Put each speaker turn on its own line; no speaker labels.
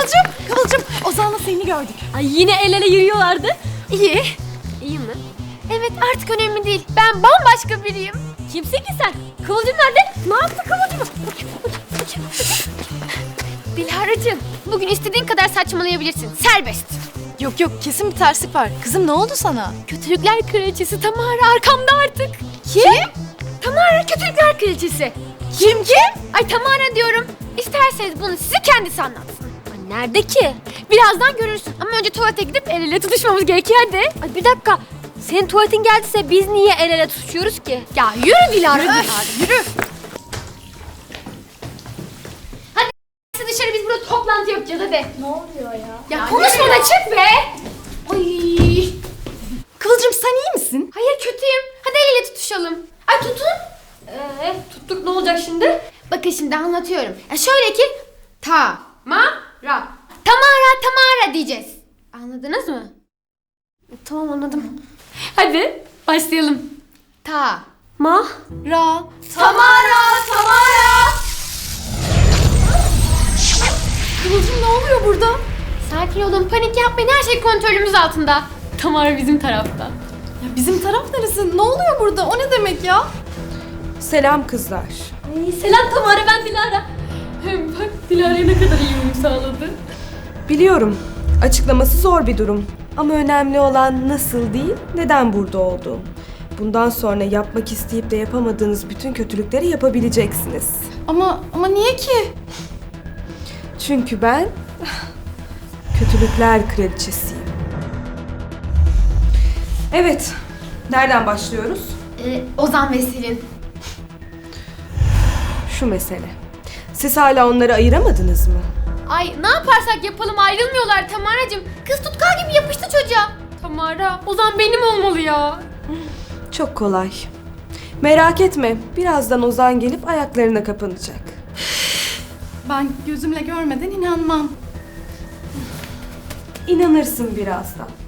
Kıvılcım, Ozan'la seni gördük.
Ay yine el ele yürüyorlardı.
İyi.
İyi mi?
Evet artık önemli değil. Ben bambaşka biriyim.
Kimsin ki sen? Kıvılcım nerede? Ne yaptı Kıvılcım?
Dilara'cığım bugün istediğin kadar saçmalayabilirsin. Serbest.
Yok kesin bir terslik var. Kızım ne oldu sana?
Kötülükler kraliçesi Tamara arkamda artık. Kim? Tamara kötülükler kraliçesi.
Kim?
Ay Tamara diyorum. İsterseniz bunu size kendisi anlatsın.
Ay nerede ki?
Birazdan görürsün ama önce tuvalete gidip el ele tutuşmamız gerekiyor hadi.
Ay bir dakika. Senin tuvaletin geldiyse biz niye el ele tutuşuyoruz ki?
Ya yürü Dilara.
Yürü.
Dışarı biz burada toplantı yapacağız hadi.
Ne oluyor ya?
Ya konuşma da çık be. Ay.
Kıvılcım sen iyi misin?
Hayır kötüyüm. Hadi el ele tutuşalım. Ay tutun.
Tuttuk ne olacak şimdi?
Bakın şimdi anlatıyorum. Şöyle ki Tamara diyeceğiz. Anladınız mı?
Tamam anladım. Hadi başlayalım.
Tamara.
Ra. Kıvılcım ne oluyor burada?
Sakin olun, panik yapmayın. Her şey kontrolümüz altında.
Tamara bizim tarafta.
Ya bizim taraf neresi? Ne oluyor burada? O ne demek ya?
Selam kızlar.
Ay, selam Tamara, ben Dilara. Hem bak Dilara'ya ne kadar iyi uyum sağladı.
Biliyorum, açıklaması zor bir durum. Ama önemli olan nasıl değil, neden burada olduğum. Bundan sonra yapmak isteyip de yapamadığınız bütün kötülükleri yapabileceksiniz.
Ama niye ki?
Çünkü ben kötülükler kraliçesiyim. Evet, nereden başlıyoruz?
Ozan ve Selin.
Şu mesele. Siz hala onları ayıramadınız mı?
Ay ne yaparsak yapalım ayrılmıyorlar Tamaracığım. Kız tutkal gibi yapıştı çocuğa.
Tamara, Ozan benim olmalı ya.
Çok kolay. Merak etme, birazdan Ozan gelip ayaklarına kapanacak.
Ben gözümle görmeden inanmam.
İnanırsın birazdan.